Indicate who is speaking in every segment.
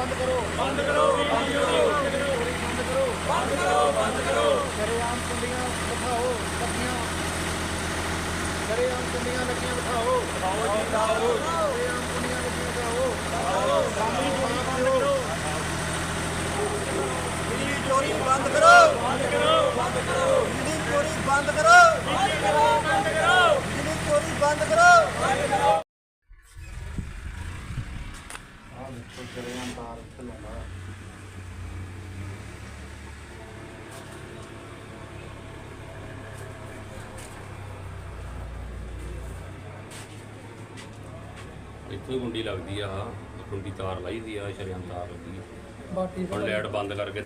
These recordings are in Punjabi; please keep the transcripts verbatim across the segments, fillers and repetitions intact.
Speaker 1: बंद करो बंद करो बंद करो बंद करो बंद करो बंद करो शरेआम कुंडियां बिठाओ लगियां शरेआम कुंडियां लगियां बिठाओ बिठाओ जी बिठाओ शरेआम कुंडियां लगियां बिठाओ बिठाओ सामने चोरी बंद करो बिजली चोरी बंद करो बंद करो बंद करो बिजली चोरी बंद करो बंद करो बंद करो बिजली चोरी बंद करो बंद करो शरेआम तार चलाना
Speaker 2: ਇੱਥੋਂ ਹੀ ਗੁੰਡੀ ਲੱਗਦੀ ਆ ਗੁੰਡੀ ਤਾਰ ਲਾਈ ਦੀ ਆ ਸ਼ਰੇਆਮ ਤਾਰ ਲੱਗੀ
Speaker 3: ਬਾਕੀ
Speaker 2: ਹੁਣ ਲਾਈਟ ਬੰਦ ਕਰਕੇ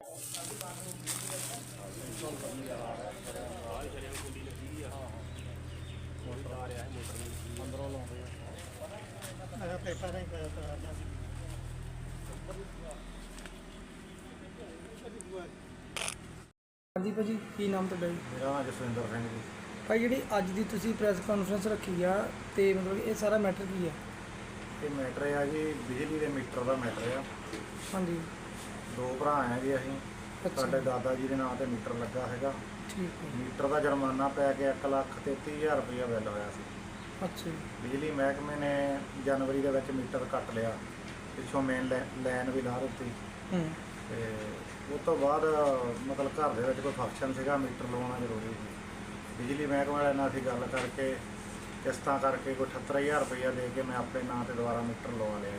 Speaker 3: ਹਾਂਜੀ ਭਾਜੀ ਕੀ ਨਾਮ ਤੁਹਾਡਾ ਜੀ?
Speaker 1: ਮੇਰਾ ਨਾਮ ਜਸਵਿੰਦਰ ਸਿੰਘ ਜੀ।
Speaker 3: ਭਾਈ ਜਿਹੜੀ ਅੱਜ ਦੀ ਤੁਸੀਂ ਪ੍ਰੈਸ ਕਾਨਫਰੰਸ ਰੱਖੀ ਆ ਤੇ ਮਤਲਬ ਇਹ ਸਾਰਾ ਮੈਟਰ ਕੀ ਆ?
Speaker 1: ਇਹ ਮੈਟਰ ਆ ਜੀ ਬਿਜਲੀ ਦੇ ਮੀਟਰ ਦਾ ਮੈਟਰ ਆ।
Speaker 3: ਹਾਂਜੀ
Speaker 1: ਦੋ ਭਰਾ ਆ ਜੀ ਅਸੀਂ।
Speaker 3: ਅੱਛਾ
Speaker 1: ਸਾਡੇ ਦਾਦਾ ਜੀ ਦੇ ਨਾਂ ਤੇ ਮੀਟਰ ਲੱਗਾ ਹੈਗਾ।
Speaker 3: ਠੀਕ ਹੈ।
Speaker 1: ਮੀਟਰ ਦਾ ਜੁਰਮਾਨਾ ਪੈ ਕੇ ਇੱਕ ਲੱਖ ਤੇਤੀ ਹਜ਼ਾਰ ਰੁਪਇਆ ਬਿੱਲ ਹੋਇਆ ਸੀ।
Speaker 3: ਅੱਛਾ ਜੀ।
Speaker 1: ਬਿਜਲੀ ਮਹਿਕਮੇ ਨੇ ਜਨਵਰੀ ਦੇ ਵਿੱਚ ਮੀਟਰ ਕੱਟ ਲਿਆ, ਪਿੱਛੋਂ ਮੇਨ ਲਾਈਨ ਵੀ ਲਾ ਦਿੱਤੀ
Speaker 3: ਹੂੰ
Speaker 1: ਤੇ ਉਸ ਤੋਂ ਬਾਅਦ ਮਤਲਬ ਘਰ ਦੇ ਵਿੱਚ ਕੋਈ ਫੰਕਸ਼ਨ ਸੀਗਾ, ਮੀਟਰ ਲਵਾਉਣਾ ਜ਼ਰੂਰੀ ਸੀ। ਬਿਜਲੀ ਮਹਿਕਮੇ ਵਾਲਿਆਂ ਨਾਲ ਅਸੀਂ ਗੱਲ ਕਰਕੇ ਕਿਸ਼ਤਾਂ ਕਰਕੇ ਕੋਈ ਅਠੱਤਰ ਹਜ਼ਾਰ ਰੁਪਈਆ ਦੇ ਕੇ ਮੈਂ ਆਪਣੇ ਨਾਂ 'ਤੇ ਦੁਬਾਰਾ ਮੀਟਰ ਲਵਾ ਲਿਆ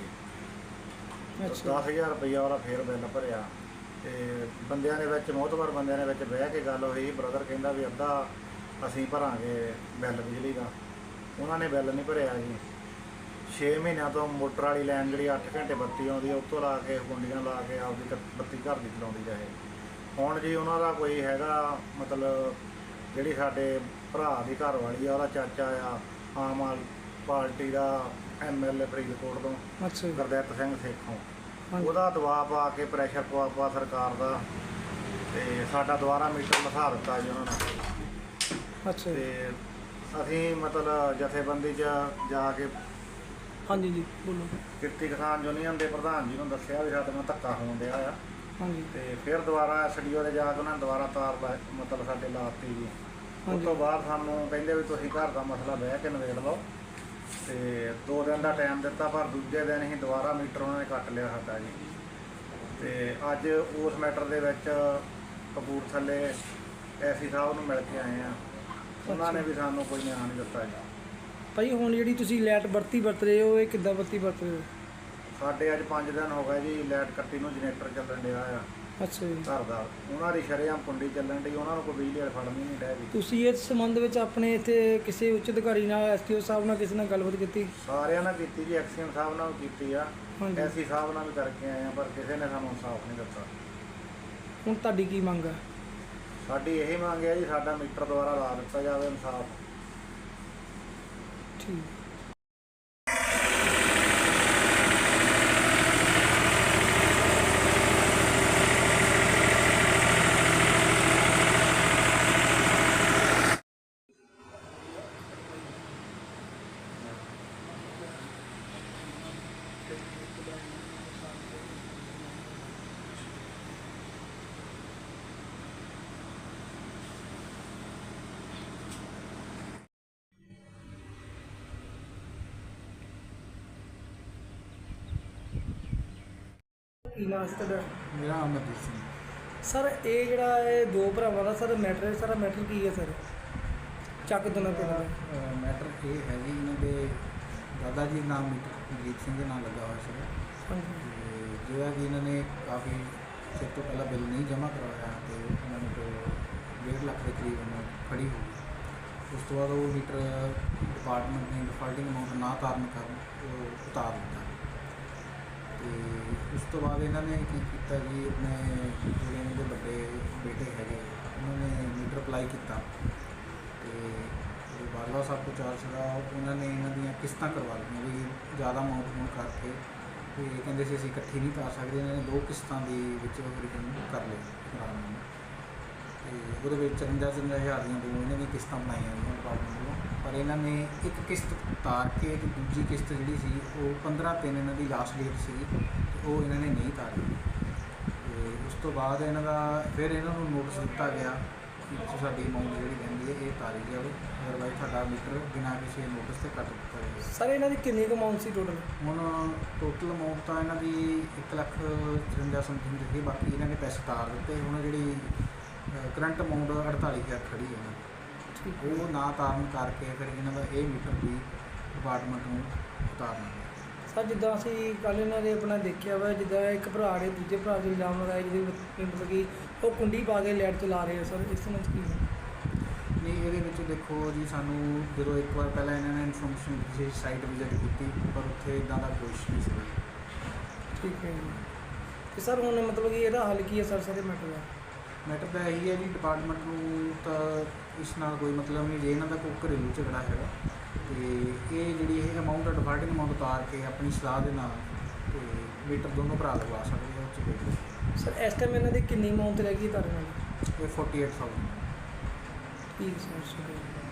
Speaker 1: ਜੀ।
Speaker 3: ਅੱਛਾ
Speaker 1: ਦਸ ਹਜ਼ਾਰ ਰੁਪਈਆ ਉਹਦਾ ਫੇਰ ਬਿੱਲ ਭਰਿਆ ਤੇ ਬੰਦਿਆਂ ਦੇ ਵਿੱਚ ਮੋਹਤਬਰ ਬੰਦਿਆਂ ਦੇ ਵਿੱਚ ਬਹਿ ਕੇ ਗੱਲ ਹੋਈ। ਬ੍ਰਦਰ ਕਹਿੰਦਾ ਵੀ ਅੱਧਾ ਅਸੀਂ ਭਰਾਂਗੇ ਬਿੱਲ ਬਿਜਲੀ ਦਾ, ਉਹਨਾਂ ਨੇ ਬਿੱਲ ਨਹੀਂ ਭਰਿਆ ਜੀ। ਛੇ ਮਹੀਨਿਆਂ ਤੋਂ ਮੋਟਰ ਵਾਲੀ ਲਾਈਨ ਜਿਹੜੀ ਅੱਠ ਘੰਟੇ ਬੱਤੀ ਆਉਂਦੀ ਆ ਉੱਤੋਂ ਲਾ ਕੇ ਗੁੰਡੀਆਂ ਲਾ ਕੇ ਆਪਦੀ ਕ- ਬੱਤੀ ਘਰ ਦੀ ਚਲਾਉਂਦੀ ਰਹੇ। ਹੁਣ ਜੀ ਉਹਨਾਂ ਦਾ ਕੋਈ ਹੈਗਾ ਮਤਲਬ ਜਿਹੜੀ ਸਾਡੇ ਭਰਾ ਦੀ ਘਰ ਵਾਲੀ ਆ ਉਹਦਾ ਚਾਚਾ ਆ ਆਮ ਆਦਮੀ ਪਾਰਟੀ ਦਾ ਐਮ ਐਲ ਏ ਫਰੀਦਕੋਟ ਤੋਂ
Speaker 3: ਅੱਛਾ ਜੀ।
Speaker 1: ਗੁਰਦਿੱਤ ਸਿੰਘ ਸੇਖੋਂ,
Speaker 3: ਹਾਂਜੀ।
Speaker 1: ਉਹਦਾ ਦਬਾਅ ਪਾ ਕੇ ਪ੍ਰੈਸ਼ਰ ਪਵਾ ਪਾ ਸਰਕਾਰ ਦਾ ਤੇ ਸਾਡਾ ਦੁਬਾਰਾ ਮੀਟਰ ਲਿਖਾ ਦਿੱਤਾ ਜੀ ਉਹਨਾਂ ਨੇ।
Speaker 3: ਅੱਛਾ ਜੀ।
Speaker 1: ਤੇ ਅਸੀਂ ਮਤਲਬ ਜਥੇਬੰਦੀ 'ਚ ਜਾ ਕੇ
Speaker 3: ਹਾਂਜੀ ਜੀ ਬੋਲੋ।
Speaker 1: ਕਿਰਤੀ ਕਿਸਾਨ ਯੂਨੀਅਨ ਦੇ ਪ੍ਰਧਾਨ ਜੀ ਨੂੰ ਦੱਸਿਆ ਵੀ ਸਾਡੇ ਨਾਲ ਧੱਕਾ ਹੋਣ ਡਿਆ ਆ
Speaker 3: ਹਾਂਜੀ
Speaker 1: ਤੇ ਫਿਰ ਦੁਬਾਰਾ ਐਸ ਡੀ ਓ ਦੇ ਜਾ ਕੇ ਉਹਨਾਂ ਨੇ ਦੁਬਾਰਾ ਤਾਰ ਲਾ- ਮਤਲਬ ਸਾਡੇ ਲਾਤੀ ਜੀ। ਉਸ
Speaker 3: ਹਾਂਜੀ।
Speaker 1: ਤੋਂ ਬਾਅਦ ਸਾਨੂੰ ਕਹਿੰਦੇ ਵੀ ਤੁਸੀਂ ਘਰ ਦਾ ਮਸਲਾ ਬਹਿ ਕੇ ਨਿਬੇੜ ਲਓ ਤੇ ਦੋ ਦਿਨ ਦਾ ਟਾਈਮ ਦਿੱਤਾ, ਪਰ ਦੂਜੇ ਦਿਨ ਹੀ ਦੁਬਾਰਾ ਮੀਟਰ ਉਹਨਾਂ ਨੇ ਕੱਟ ਲਿਆ ਸਾਡਾ ਜੀ। ਤੇ ਅੱਜ ਉਸ ਮੈਟਰ ਦੇ ਵਿੱਚ ਕਪੂਰਥਲੇ ਐਸੀ ਸਾਹਿਬ ਨੂੰ ਮਿਲ ਕੇ ਆਏ ਆ, ਉਹਨਾਂ ਨੇ ਵੀ ਸਾਨੂੰ ਕੋਈ ਨਿਆਂ ਨਹੀਂ ਦਿੱਤਾ ਜੀ।
Speaker 3: ਭਾਈ ਹੁਣ ਜਿਹੜੀ ਤੁਸੀਂ ਲਾਈਟ ਵਰਤੀ ਵਰਤ ਰਹੇ ਹੋ ਇਹ ਕਿੱਦਾਂ ਵਰਤੀ ਵਰਤ ਰਹੇ ਹੋ?
Speaker 1: ਸਾਡੇ ਅੱਜ ਪੰਜ ਦਿਨ ਹੋ ਗਏ ਜੀ ਲਾਈਟ ਕੱਟੀ ਨੂੰ, ਜਨਰੇਟਰ ਚੱਲਣ ਡਿਆ ਆ
Speaker 3: ਅੱਛਾ ਜੀ।
Speaker 1: ਘਰ ਦਾ, ਉਹਨਾਂ ਦੀ ਸ਼ਰੇਆਮ ਕੁੰਡੀ ਚੱਲਣ ਡਈ, ਉਹਨਾਂ ਨੂੰ ਕੋਈ ਬਿਜਲੀ ਵਾਲੇ ਫੜਨੀ ਨਹੀਂ ਡੈ ਜੀ।
Speaker 3: ਤੁਸੀਂ ਇਸ ਸੰਬੰਧ ਵਿੱਚ ਆਪਣੇ ਇੱਥੇ ਕਿਸੇ ਉੱਚ ਅਧਿਕਾਰੀ ਨਾਲ ਐਸ ਟੀ ਓ ਸਾਹਿਬ ਨਾਲ ਕਿਸੇ ਨਾਲ ਗੱਲਬਾਤ ਕੀਤੀ?
Speaker 1: ਸਾਰਿਆਂ ਨਾਲ ਕੀਤੀ ਜੀ, ਐਕਸੀਅਨ ਸਾਹਿਬ ਨਾਲ ਵੀ ਕੀਤੀ ਆ,
Speaker 3: ਹਾਂਜੀ।
Speaker 1: ਐਸੀ ਸਾਹਿਬ ਨਾਲ ਵੀ ਕਰਕੇ ਆਏ ਆ, ਪਰ ਕਿਸੇ ਨੇ ਸਾਨੂੰ ਇਨਸਾਫ ਨਹੀਂ ਦਿੱਤਾ।
Speaker 3: ਹੁਣ ਤੁਹਾਡੀ ਕੀ ਮੰਗ ਆ?
Speaker 1: ਸਾਡੀ ਇਹੀ ਮੰਗ ਹੈ ਜੀ ਸਾਡਾ ਮੀਟਰ ਦੁਬਾਰਾ ਲਾ ਦਿੱਤਾ ਜਾਵੇ, ਇਨਸਾਫ।
Speaker 3: ਠੀਕ। ਕੀ ਨਾਮ ਸੀ ਤੁਹਾਡਾ?
Speaker 4: ਮੇਰਾ ਅਮਰਜੀਤ ਸਿੰਘ।
Speaker 3: ਸਰ ਇਹ ਜਿਹੜਾ ਇਹ ਦੋ ਭਰਾਵਾਂ ਦਾ ਸਰ ਮੈਟਰ ਹੈ, ਸਾਰਾ ਮੈਟਰ ਕੀ ਹੈ ਸਰ? ਚੱਕ ਦੋਨਾਂ ਪਿੰਡ ਦਾ
Speaker 4: ਅਹ ਮੈਟਰ ਇਹ ਹੈ ਜੀ, ਇਹਨਾਂ ਦੇ ਦਾਦਾ ਜੀ ਨਾਮ ਮਨਜੀਤ ਸਿੰਘ ਦੇ ਨਾਮ ਲੱਗਾ ਹੋਇਆ ਸੀ
Speaker 3: ਹਾਂਜੀ
Speaker 4: ਤੇ ਜਿਹੜਾ ਕਿ ਇਹਨਾਂ ਨੇ ਕਾਫੀ ਚਿਰ ਤੋਂ ਪਹਿਲਾਂ ਬਿੱਲ ਨਹੀਂ ਜਮ੍ਹਾਂ ਕਰਵਾਇਆ ਤੇ ਉਹਨਾਂ ਨੂੰ ਤੋਂ ਡੇਢ ਲੱਖ ਦੇ ਕਰੀਬ ਉਹਨਾਂ ਫੜੀ ਹੋ ਗਈ। ਉਸ ਤੋਂ ਬਾਅਦ ਉਹ ਮੀਟਰ ਡਿਪਾਰਟਮੈਂਟ ਨੇ ਡਿਫਾਲਟਿੰਗ ਅਮਾਊਂਟ ਨਾ ਤਾਰਨ ਕਾਰਨ ਉਹ ਉਤਾਰ ਦਿੱਤਾ ਤੇ ਉਸ ਤੋਂ ਬਾਅਦ ਇਹਨਾਂ ਨੇ ਕੀ ਕੀਤਾ ਜੀ, ਆਪਣੇ ਜਿਹੜੇ ਇਹਨਾਂ ਦੇ ਵੱਡੇ ਬੇਟੇ ਹੈਗੇ ਉਹਨਾਂ ਨੇ ਮੀਟਰ ਅਪਲਾਈ ਕੀਤਾ ਤੇ ਬਾਦਲਾ ਸਾਹਿਬ ਤੋਂ ਚਾਰਜ ਸੀਗਾ, ਉਹਨਾਂ ਨੇ ਇਹਨਾਂ ਦੀਆਂ ਕਿਸ਼ਤਾਂ ਕਰਵਾ ਲਈਆਂ ਵੀ ਜ਼ਿਆਦਾ ਅਮਾਊਂਟ ਹੋਣ ਕਰਕੇ ਤੇ ਕਹਿੰਦੇ ਸੀ ਅਸੀਂ ਇਕੱਠੀ ਨਹੀਂ ਕਰ ਸਕਦੇ। ਇਹਨਾਂ ਨੇ ਦੋ ਕਿਸ਼ਤਾਂ ਦੇ ਵਿੱਚ ਉਹ ਰਿਟਰਨ ਕਰ ਲਏ ਕਰਾਰ ਨੂੰ ਤੇ ਉਹਦੇ ਵਿੱਚ ਚੁਰੰਜਾ ਚੁਰੰਜਾ ਹਜ਼ਾਰ ਦੀਆਂ ਦੋ ਇਹਨਾਂ ਦੀਆਂ ਕਿਸ਼ਤਾਂ ਬਣਾਈਆਂ ਡਿਪਾਰਟਮੈਂਟ ਵੱਲੋਂ ਪਰ ਇਹਨਾਂ ਨੇ ਇੱਕ ਕਿਸ਼ਤ ਤਾਰ ਕੇ ਤੇ ਦੂਜੀ ਕਿਸ਼ਤ ਜਿਹੜੀ ਸੀ ਉਹ ਪੰਦਰਾਂ ਤਿੰਨ ਇਹਨਾਂ ਦੀ ਲਾਸਟ ਡੇਟ ਸੀ ਤੇ ਉਹ ਇਹਨਾਂ ਨੇ ਨਹੀਂ ਤਾਰੀ। ਤੇ ਉਸ ਤੋਂ ਬਾਅਦ ਇਹਨਾਂ ਦਾ ਫਿਰ ਇਹਨਾਂ ਨੂੰ ਨੋਟਿਸ ਦਿੱਤਾ ਗਿਆ ਕਿ ਤੁਸੀਂ ਸਾਡੀ ਅਮਾਊਂਟ ਜਿਹੜੀ ਕਹਿੰਦੀ ਹੈ ਇਹ ਤਾਰੀ ਜਾਵੇ, ਅਦਰਵਾਈਜ਼ ਤੁਹਾਡਾ ਮੀਟਰ ਬਿਨਾਂ ਕਿਸੇ ਨੋਟਿਸ ਤੇ ਕੱਟ ਦਿੱਤਾ ਜਾਵੇਗਾ।
Speaker 3: ਸਰ ਇਹਨਾਂ ਦੀ ਕਿੰਨੀ ਕੁ ਅਮਾਊਂਟ ਸੀ ਟੋਟਲ?
Speaker 4: ਹੁਣ ਟੋਟਲ ਅਮਾਊਂਟ ਤਾਂ ਇਹਨਾਂ ਦੀ ਇੱਕ ਲੱਖ ਚੁਰੰਜਾ ਸਮਥਿੰਗ ਸੀ, ਬਾਕੀ ਇਹਨਾਂ ਨੇ ਪੈਸੇ ਤਾਰ ਦਿੱਤੇ। ਹੁਣ ਜਿਹੜੀ ਕਰੰਟ ਅਮਾਊਂਟ ਅੜਤਾਲੀ ਹਜ਼ਾਰ ਖੜੀ ਹੈ ਇਹਨਾਂ ਦੀ,
Speaker 3: ਠੀਕ
Speaker 4: ਉਹ ਨਾ ਤਾਰਨ ਕਰਕੇ ਫਿਰ ਇਹਨਾਂ ਦਾ ਇਹ ਮੀਟਰ ਵੀ ਡਿਪਾਰਟਮੈਂਟ ਨੂੰ ਉਤਾਰਨਾ ਪਿਆ।
Speaker 3: ਸਰ ਜਿੱਦਾਂ ਅਸੀਂ ਕੱਲ੍ਹ ਇਹਨਾਂ ਦੇ ਆਪਣਾ ਦੇਖਿਆ ਵਾ, ਜਿੱਦਾਂ ਇੱਕ ਭਰਾ ਨੇ ਦੂਜੇ ਭਰਾ 'ਤੇ ਇਲਜ਼ਾਮ ਲਗਾਇਆ ਜਿਹਦੇ ਵਿੱਚ ਮਤਲਬ ਕਿ ਉਹ ਕੁੰਡੀ ਪਾ ਕੇ ਲਾਈਟ ਚਲਾ ਰਹੇ ਆ ਸਰ, ਇਸ ਸੰਬੰਧ 'ਚ ਕੀ ਹੈ?
Speaker 4: ਨਹੀਂ, ਇਹਦੇ ਵਿੱਚ ਦੇਖੋ ਜੀ, ਸਾਨੂੰ ਜਦੋਂ ਇੱਕ ਵਾਰ ਪਹਿਲਾਂ ਇਹਨਾਂ ਨੇ ਇਨਫੋਰਮੇਸ਼ਨ ਦਿੱਤੀ ਸੀ, ਸਾਈਟ ਵਿਜ਼ਿਟ ਕੀਤੀ, ਪਰ ਉੱਥੇ ਇੱਦਾਂ ਦਾ ਕੁਛ ਨਹੀਂ ਸੀ।
Speaker 3: ਠੀਕ ਹੈ ਜੀ। ਤੇ ਸਰ ਹੁਣ ਮਤਲਬ ਕਿ ਇਹਦਾ ਹੱਲ ਕੀ ਹੈ ਸਰ ਸਾਰੇ ਮੈਟਰ ਦਾ?
Speaker 4: ਮੈਟਰ ਤਾਂ ਇਹੀ ਹੈ ਜੀ, ਡਿਪਾਰਟਮੈਂਟ ਨੂੰ ਤਾਂ ਇਸ ਨਾਲ ਕੋਈ ਮਤਲਬ ਨਹੀਂ ਜੇ ਇਹਨਾਂ ਦਾ ਕੋਈ ਘਰੇਲੂ ਝਗੜਾ ਹੈਗਾ ਤੇ ਇਹ ਜਿਹੜੀ ਇਹ ਅਮਾਊਂਟ ਡਿਫਾਲਟਿੰਗ ਅਮਾਊਂਟ ਉਤਾਰ ਕੇ ਆਪਣੀ ਸਲਾਹ ਦੇ ਨਾਲ ਤੇ ਮੀਟਰ ਦੋਨੋਂ ਭਰਾ ਲਗਵਾ ਸਕਦੇ ਆ। ਉਹ 'ਚ ਕੋਈ
Speaker 3: ਸਰ ਇਸ ਟਾਈਮ ਇਹਨਾਂ ਦੀ ਕਿੰਨੀ ਅਮਾਊਂਟ ਰਹਿ ਗਈ ਤੁਹਾਡੇ ਨਾਲ?
Speaker 4: ਇਹ ਫੋਰਟੀ ਏਟ ਥਾਊਜ਼ੈਂਡ।
Speaker 3: ਠੀਕ ਸਰ, ਸ਼ੁਕਰੀਆ।